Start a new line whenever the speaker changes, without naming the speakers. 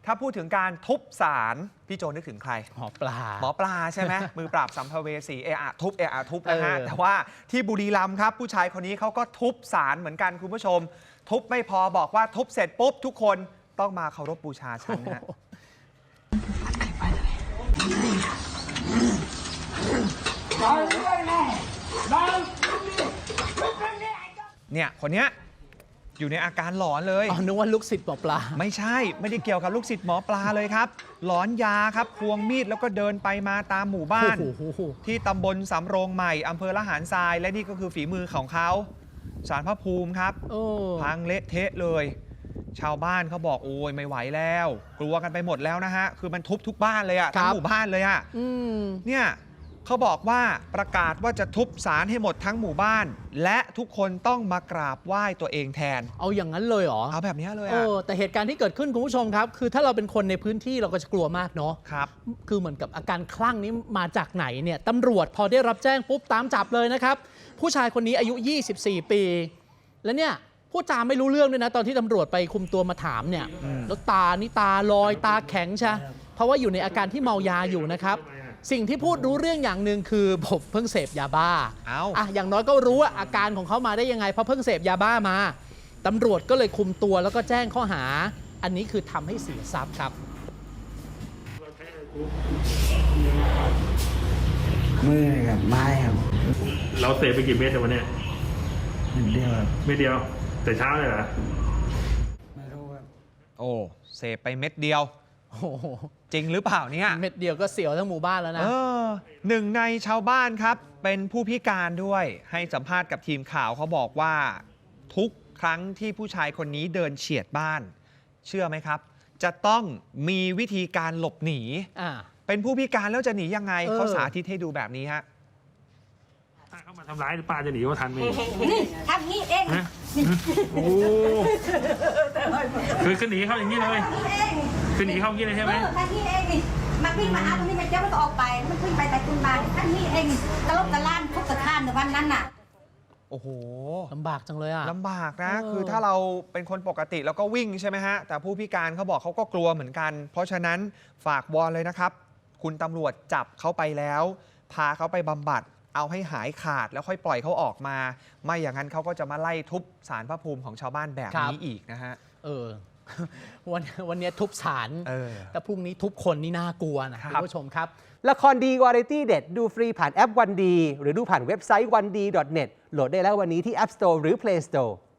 ถ้าพูดถึงการทุบศาลพี่โจนึกถึงใคร
หมอปลา
ใช่ไหม มือปราบสัมภเวสีเอะทุบนะฮะแต่ว่าที่บุรีรัมย์ครับผู้ชายคนนี้เขาก็ทุบศาลเหมือนกันคุณผู้ชมทุบไม่พอบอกว่าทุบเสร็จปุ๊บทุกคนต้องมาเคารพบูชาฉันนะฮะเนี่ยคนเนี้ยอยู่ในอาการหลอนเลย
นึกว่าลูกศิษย์หมอปลา
ไม่ใช่ไม่ได้เกี่ยวกับลูกศิษย์หมอปลาเลยครับหลอนยาครับควงมีดแล้วก็เดินไปมาตามหมู่บ้านที่ตำบลสำโรงใหม่อำเภอละหารทรายและนี่ก็คือฝีมือของเขาศาลพระภูมิครับพังเละเทะเลยชาวบ้านเขาบอกโอ้ยไม่ไหวแล้วกลัวกันไปหมดแล้วนะฮะคือมันทุบทุกบ้านเลยอะทั้งหมู่บ้านเลยอะเนี่ยเขาบอกว่าประกาศว่าจะทุบศาลให้หมดทั้งหมู่บ้านและทุกคนต้องมากราบไหว้ตัวเองแทน
เอาอย่างนั้นเลยเหรอ
เอาแบบนี้เลย
แต่เหตุการณ์ที่เกิดขึ้นคุณผู้ชมครับคือถ้าเราเป็นคนในพื้นที่เราก็จะกลัวมากเนาะ
ครับ
คือเหมือนกับอาการคลั่งนี้มาจากไหนเนี่ยตำรวจพอได้รับแจ้งปุ๊บตามจับเลยนะครับผู้ชายคนนี้อายุ24 ปีแล้วเนี่ยพูดจาไม่รู้เรื่องด้วยนะตอนที่ตำรวจไปคุมตัวมาถามเนี่ยแล้วตานี่ตาลอยตาแข็งใช่เพราะว่าอยู่ในอาการที่เมายาอยู่นะครับสิ่งที่พูดรู้เรื่องอย่างหนึ่งคือผมเพิ่งเสพยาบ้าอย่างน้อยก็รู้ว่าอาการของเขามาได้ยังไงเพราะเพิ่งเสพยาบ้ามาตำรวจก็เลยคุมตัวแล้วก็แจ้งข้อหาอันนี้คือทำให้เสียทรัพย์ครับ
มือกับไม้ครับ
เราเสพไปกี่เม็ดวันนี้
เม็ดเดียวครับ
เม็ดเดียวแต่เช้าเลยเหรอ
ไม่รู้ครับ
โอ้เสพไปเม็ดเดียวจริงหรือเปล่าเนี่ย
เม็ดเดียวก็เสียวทั้งหมู่บ้านแล้วนะ
หนึ่งในชาวบ้านครับเป็นผู้พิการด้วยให้สัมภาษณ์กับทีมข่าวเขาบอกว่าทุกครั้งที่ผู้ชายคนนี้เดินเฉียดบ้านเชื่อไหมครับจะต้องมีวิธีการหลบหนีเป็นผู้พิการแล้วจะหนียังไงเขาสาธิตให้ดูแบบนี้ฮะ
ถ้าเขามาทำร้ายป้าจะหนีเขาทันไหม
นี่ทำงี้เอง
โอ้คือหนีเขาอย่างนี้เลยคือหนีเข้างี้เลยใช่ไหม
ท่านนี่เองนี่มาวิ่งมาหาตรงนี้มันเจ้ามันก็ออกไปมันขึ้นไปคุณมาท่านนี่เองตะลบตะล่านทุกตะข้านในวันนั้นน่ะ
โอ้โห
ลำบากจังเลยอ่ะ
ลำบากนะคือถ้าเราเป็นคนปกติเราก็วิ่งใช่ไหมฮะแต่ผู้พิการเขาบอกเขาก็กลัวเหมือนกันเพราะฉะนั้นฝากวอนเลยนะครับคุณตำรวจจับเขาไปแล้วพาเขาไปบำบัดเอาให้หายขาดแล้วค่อยปล่อยเขาออกมาไม่อย่างนั้นเขาก็จะมาไล่ทุบศาลพระภูมิของชาวบ้านแบบนี้อีกนะฮะ
วันนี้ทุบศาลแต่พรุ่งนี้ทุบคนนี่น่ากลัวนะคุณผู้ชมครับ
ละครดีวาไรตี้เด็ดดูฟรีผ่านแอปวันดีหรือดูผ่านเว็บไซต์ 1d.net โหลดได้แล้ววันนี้ที่ App Store หรือ Play Store